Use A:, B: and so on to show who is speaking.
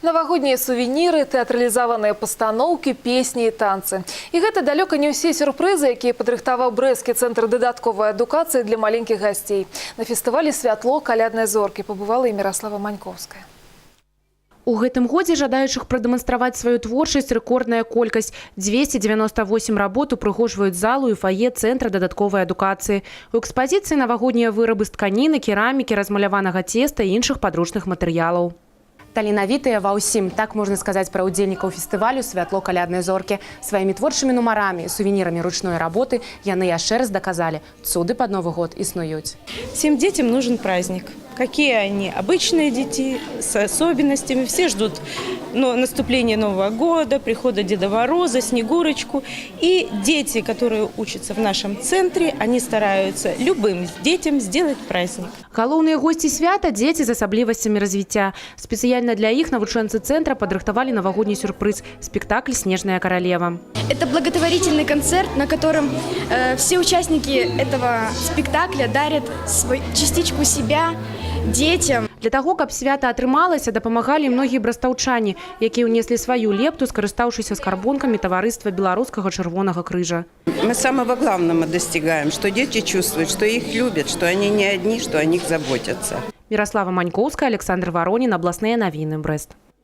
A: Новогодние сувениры, тэатралізаваныя пастаноўкі, песні і танцы. І гэта далёка не ўсе сюрпрызы, якія падрыхтаваў брэсцкі цэнтр дадатковай адукацыі для маленькіх гасцей. На фестывалі «Святло каляднай зоркі» пабывала і Міраслава Маньковская.
B: У гэтым годзе жадаючых прадэманстраваць сваю творчасць рэкордная колькасць. 298 работ упрыгожваюць залу і фае цэнтра дадатковай адукацыі. У экспазіцыі навагоднія вырабы з тканіны, керамікі, размаляванага цеста і іншых падручных матэрыялаў. Таленавітыя ва ўсім, так можна сказаць пра ўдзельнікаў фестывалю «Святло каляднай зоркі». Сваімі творчымі нумарамі, сувенірамі ручной работы яны яшчэ раз даказалі – цуды пад Новы год існуюць.
C: Всем детям нужен праздник. Какие они? Обычные дети с особенностями. Все ждут наступления Нового года, прихода Деда Мороза, Снегурочку. И дети, которые учатся в нашем центре, они стараются любым детям сделать праздник.
B: Галоўныя госці свята – дзеці з асаблівасцямі развіцця. Спецыяльна для іх навучэнцы цэнтра падрыхтавалі навагодні сюрпрыз – спектакль «Снежная королева».
D: Это благотворительный концерт, на котором все участники этого спектакля дарят частичку себя детям.
B: Для таго, каб свята атрымалася, дапамагалі многія брастаўчане, якія ўнеслі сваю лепту, скарыстаўшыся скарбонкамі таварыства Белорусского Червоного Крыжа.
E: Мы самого главного достигаем, что дети чувствуют, что их любят, что они не одни, что о них заботятся.
B: Мирослава Маньковская, Александр Воронин, областные новины, Брест.